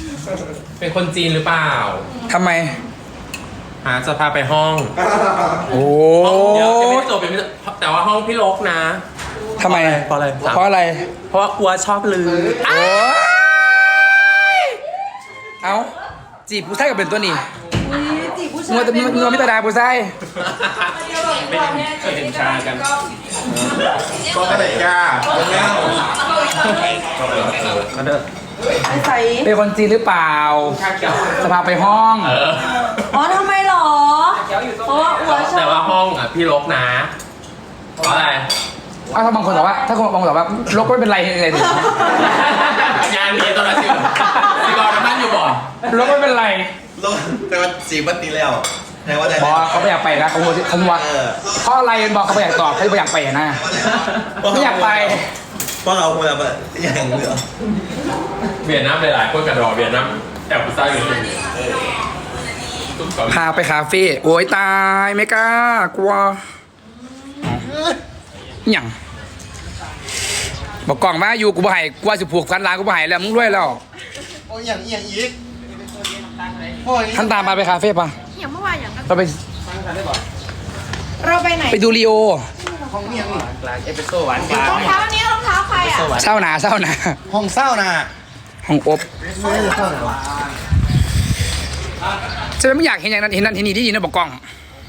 เป็นคนจีนหรือเปล่าทำไมจะพาไปห้องโอ้ห้องเดี๋ยวยังไม่ได้จบยังไม่ได้แต่ว่าห้องพี่ลกนะทำไมเพราะอะไรเพราะอะไรเพราะว่ากลัวชอบลือโอ้เอาจีบผู้ชายกับเป็นตัวนี้จีบผู้ชายงัวแต่งัวมิตรดาผู้ชายเคยเห็นชากันก็อะไรก้าก็เด้อไอ้ใส่เป็นคนจีนหรือเปล่า จะพาไปห้องอ๋อทำไมหรอ เพราะว่าอัวชแต่อบว่าห้องอ่ะพี่ลกนะเพราะอะไรถ้าบางคนบอกว่า ถ้าคนบางคนบอกว่าลกไม่เป็นไรเลยดิงานนี้ตอนนั้นสิบอลนั่งอยู่บ่ลกไม่เป็นไรลงแต่ว่าสีบัตตีแล้วแปลว่าอะไรบอกเขาไม่อยากไปนะเขาว่าเพราะอะไรบอกเขาไม่อยากตอบเขาไม่อยากไปนะไม่อยากไปเพราะเราคนละอย่างเหลือเวียดนามหลายๆคนกระดอเวียดนามแอบผู้ชายอยู่ที่นี่พาไปคาเฟ่โอ้ยตายไม่กล้ากลัวหยังบอกกล่องมาอยู่กูบ่ให้กลัวสิผูกพันล้านกูบ่ให้แล้วมึงด้วยแล้วโอ้ยอย่างอีกท่านตามมาไปคาเฟ่ปะอย่างเมื่อวานอย่างนั้นเราไปเราไปไหนไปดูลีโอห้องเมียงนี่รองเท้าอันนี้รองเท้าใครอ่ะเศร้าหนาเศร้าหนาห้องเศร้านะห้องอบจะไม่อยากเห็นอย่างนั้นเห็นนั่นเห็นนี่ที่ยินนะบอกกล้อง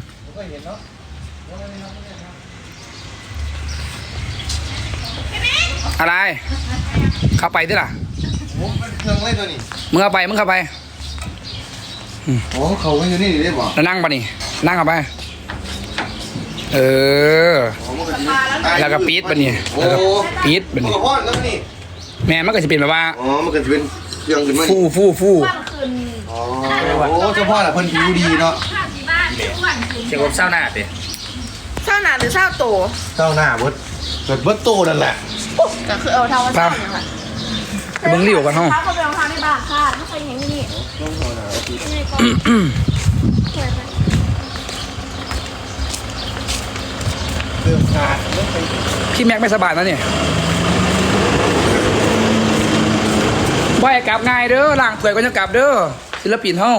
อะไรเข้าไปดิล่ะเครื่องเล่นตัวนี้มึงเข้าไปมึงเข้าไปโอ้เขาไม่อยู่นี่ได้บ่แล้วนั่งปะนี่นั่งเข้าไปเออแล้วก็ปี๊ดปะนี่แล้วก็ปี๊ดปะโอ้นี่พ่อแล้วนี่แม่มันก็จะเป็นแบบว่าอ๋อมันก็จะเป็นเครื่องขึ้นมาฟู่ฟู่ฟู่วันคืนอ๋อโอ้เจ้าพ่อแหละเพิ่นผิวดีเนาะข้าที่บ้านวันคืนเชียงอบเศร้าหน้าเด็เช้าหนาหรือเช้าโตเจ้าหน้าเบิดเกิดเบิดโตนั่นแหละก็คือเอาเท้าว่าเช้าเนี่ยค่ะมึงรีบกันห้องเท้าเขาไปรองเท้าในบ้านค่ะไม่เคยเห็นที่นี่นี่ก็เคยไปเครื่องขาดพี่แม็กไม่สบายนะเนี่ยว่าให้กลับง่ายเด้อล่างถวยก็จะกลับเด้อศิลปินเฮา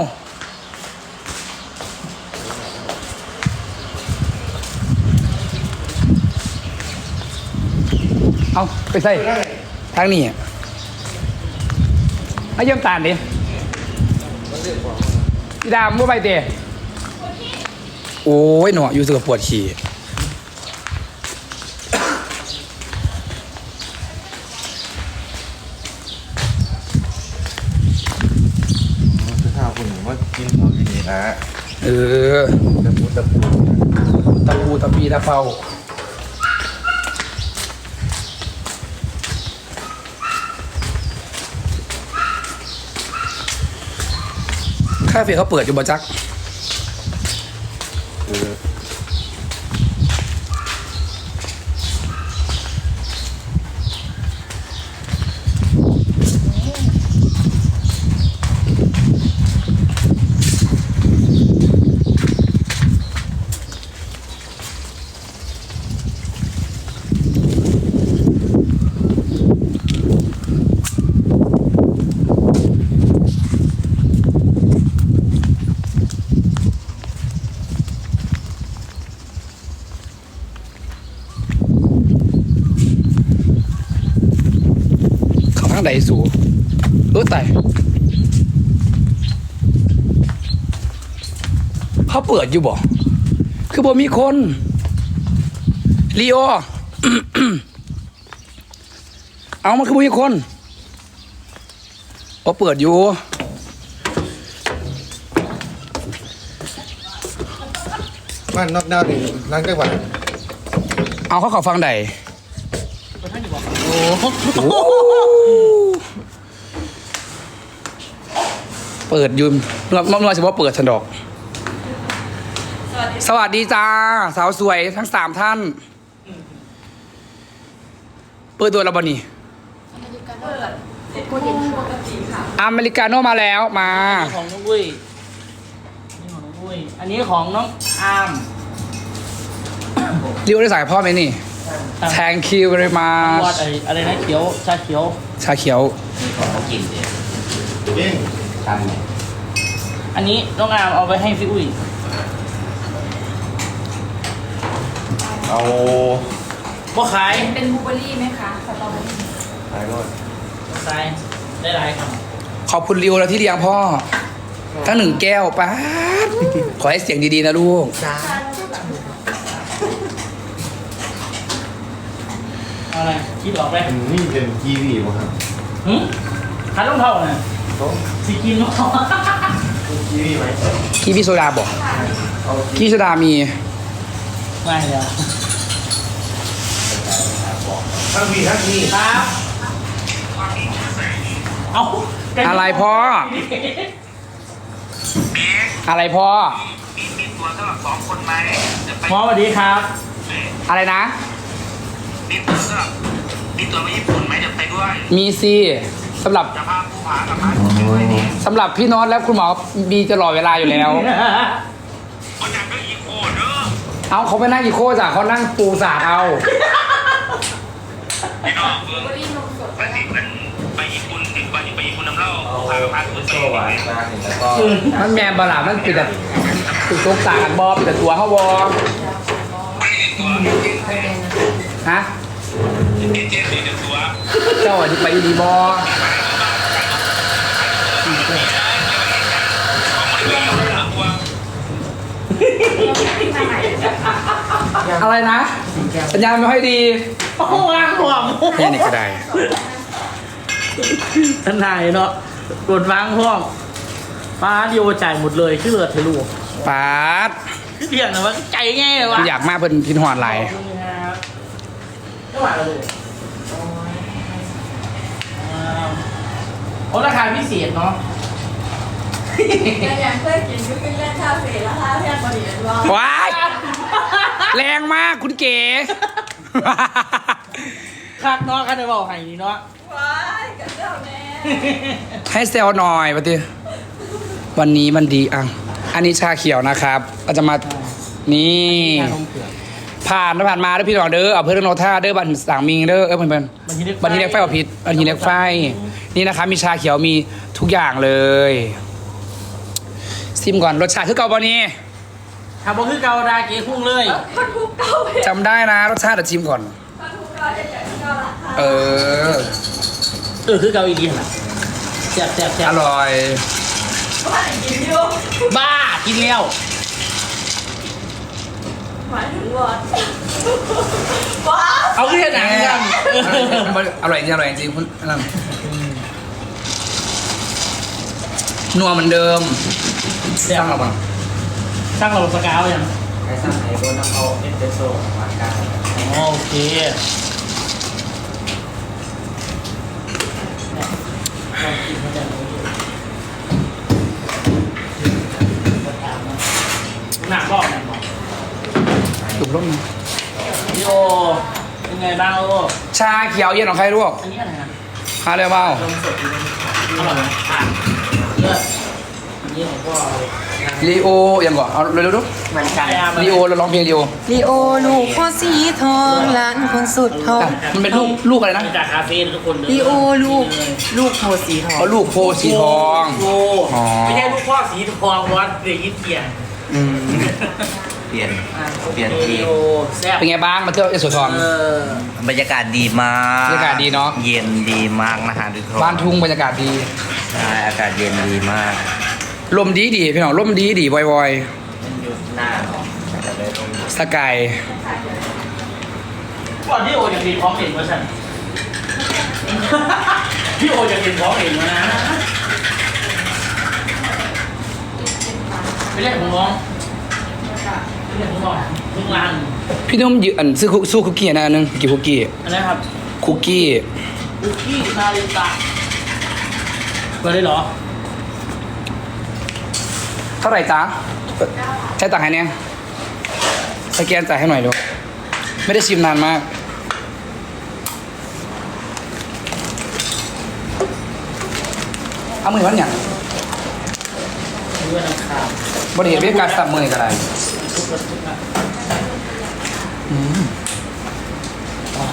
เอาไปใส่ทางนี้ให้เยี่ยมตาลดิพี่ดามว่าไปเตะโอ้ยหนออยู่สึกปวดฉี่ข้าวคุณว่ากินของที่นี่นะเออตะปูตะปีตะเปาคาเฟ่เขาเปิดอยู่บ่จักเขาทางใดสูตายเขาเปิดอยู่บ่คือบ่มีคนลีโอ เอามันคือบ่มีคนเขาเปิดอยู่บ้านนอกดาวนี่ล้างได้บ่เอาเขาฟังใดเปิดอยืมเราจะว่าเปิดฉันดอก สวัสดีจ้า สาวสวยทั้ง3 ท่าน เปิดตัวเราบนี่อเมริกาโน่มาแล้วมาของน้องวุ้ยนี่ของน้องวุ้ยอันนี้ของน้องอาร์มเรียกได้สายพ่อไหมนี่ Thank you very วอ much ดอะไรนะเขียวชาเขียวชาเขียวนี่ของเขากินเนี่ยเก่งชันอันนี้น้องอามเอาไปให้พี่อุ้ยเอาบ่ขายเป็นบลูเบอร์รี่ไหมคะสตรอเบอร์รี่ไปรถขายได้หลายครับขอบคุณริวแล้วที่เลี้ยงพ่อทั้งหนึ่งแก้วป้าดขอให้เสียงดีๆนะลูกเอาอะไรคิดออกไหมนี่เป็นกีวีป่ะครับหึขาต้องเท่าน่ะต้องสิกินเนาะกีวีไหมกีวีโซดาบอกเอากีวีโซดามีไม่เลยทั้งวีทั้งนี้ครับเอาอะไรพ่อ อะไรพ่อมีตัวสำหรับ2 คนไหมจะไปหมอสวัสดีครับอะไรนะมีตัวสำหรับมีตัวไปญี่ปุ่นไหมจะไปด้วยมีสิสำหรับจะพาผู้ผากับพาไปด้วยนี่สำหรับพี่โน้ตและคุณหมอมีตลอดเวลาอยู่แล้วคนอยากก็อีโคเด้อเอาเขาไม่นั่งอีโคจ้ะเขานั่งปูสาดเอาพี่น้องเบิ่งไปสิมันไปญี่ปุ่นถึงไปญี่ปุ่นน้ำเล่าผู้ผากับพาไปโซ่หวานมาเห็นแล้วก็มันแมนบลามันปิดแต่ปิดตกตากันบอปิดแต่ตัวเขาบอไม่ได้ตัวฮะเจ็ดสี่ตัวเจ้าที่ไปดีบออะไรนะ สัญญาณไม่ค่อยดีโอ้โหวางห่วงแค่นี้ก็ได้ท่านนายเนาะกดวางห่วงป้าเดียวจ่ายหมดเลยชื่อเลือดเทลูกปาดคือเดียงนะว่าใจง่ายเลยวะอยากมาเพิ่นพินหอนไหลายขอบคุณครับไม่ไหวแล้วลูกโอ้ราคาพิเศษเนาะอย่างเคยกินก็เป็นเล่นคาเฟ่แล้วค่าแพงกว่านี้ว่าว้ายแรงมากคุณเก๋คักเนาะคันได้บอกให้นี่เนาะว้ายกับเจ้าแม่ให้เซลหน่อยปะติวันนี้มันดีอ่ะอันนี้ชาเขียวนะครับเราจะมานี่ชานมเผือกผ่านมาเด้อพี่น้องเด้อเอาเพื่อนโนท่าเด้อบันสางมิงเด้อเพื่อนบันทีบันทีเล็กไฟเอาผิดบันทีเล็กไฟนี่นะคะมีชาเขียวมีทุกอย่างเลยซิมก่อนรสชาติคือเก่าบอนี่ทำบ่คือเกาดาเก๋พุ่งเลยคนทุกเก้าเพชรจำได้นะรสชาติเดี๋ยวชิมก่อนคนทุกเก้าเพชรอย่างที่เก้าราคาเออคือเกาอีดีน่ะแซ่บแซ่บแซ่อบ ร่อยว่ากินอยู่บ้ากินแล้วหมายถึงวอดว้าวเอาขึ้นหนังกันอร่อยจริงอร่อยจริงคุณนั่นนัวเหมือนเดิมแซ่ตั้บงเราบ้างตั้งเราสกาวยังใครสั่งไอ้โบนเอาเอสเปรสโซ่หวานกลางอ๋อโอเคหนักบอกหนักบอกถูกร่มพี่โอเป็นไงบ้างโอชาเขียวเย็นของใครลูกอันนี้อะไรนะหาเลยเปล่าอร่อยไหมอ่ะเลิศอันนี้ของพ่อเลยลีโอยังก่อนเอาเร็วๆดูเหมือนกันลีโอเราร้องเพลงลีโอลีโอลูกพ่อสีทองหลานคนสุดทองอ่ะมันเป็นลูกอะไรนะมาจากคาเฟ่ทุกคนเลยลีโอลูกโพสีทองเขาลูกโพสีทองโอ้อ๋อไม่ใช่ลูกพ่อสีทองวัดเดี๋ยวยิ้มเกียงอืมเปลี่ยนอ่ะเปลี่ยนทีโอแซ่บเป็นไงบ้างมาเที่ยวเอสโซทองเออบรรยากาศดีมากบรรยากาศดีเนอะเย็นดีมากนะฮะทุกคนบ้านทุ่งบรรยากาศดีใช่อากาศเย็นดีมากลมดีดีพี่น้องลมดีดีวอยวอยมันอยู่หน้าเนาะแต่เลยตรงนี้สกายก่อนที่โอจะกินพร้อมเองวะฉัน พี่โอจะกินพร้อมเองวะนะไม่เล่นของน้องไม่เล่นของน้องทุกร้านพี่นุ่มยืนซื้อสู้คุกกี้นะอันนึงกี่คุกกี้อันนี้ครับคุกกี้คุกกี้นาริตะเปิดได้เหรอเท่าไหร่จ๊ะใช้ตังค์ให้เนี่ยสแกนจ่ายให้หน่อยดูไม่ได้ชิมนานมากเอามือวันอย่างดูว่าน้ำขาวบริเหตุเป็นการสับมือกันอะไรทุกคนทุกคน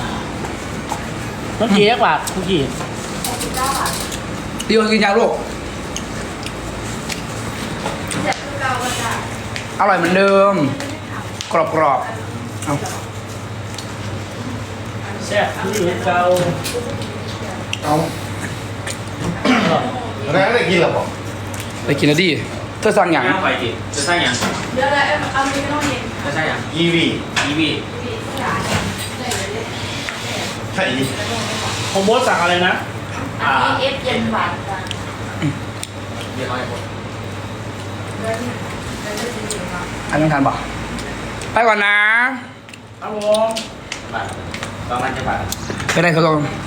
ต้องเกี๊ยกว่าคุกกี้เดียวกินยาลูกฮอร่อยเหมือนเดิม กรอบๆเอาแซ่บคือเก่าเอาแล้วได้กินหรอบอกไปกินแล้วดิเธอสั่งอย่างย่างไปจิจะใช่ยังเดี๋ยวเอามีไม่ต้องเย็นจะใช่ยังกีวีอีวีใช่อีผมโบสสั่งอะไรนะอันนี้เอฟเย็นหวานจ้ะเรียกเขาให้หมดอันนี้ทานบ่ไปก่อนนะครับผมบาทประมาณจะบาทไปได้ทดลอง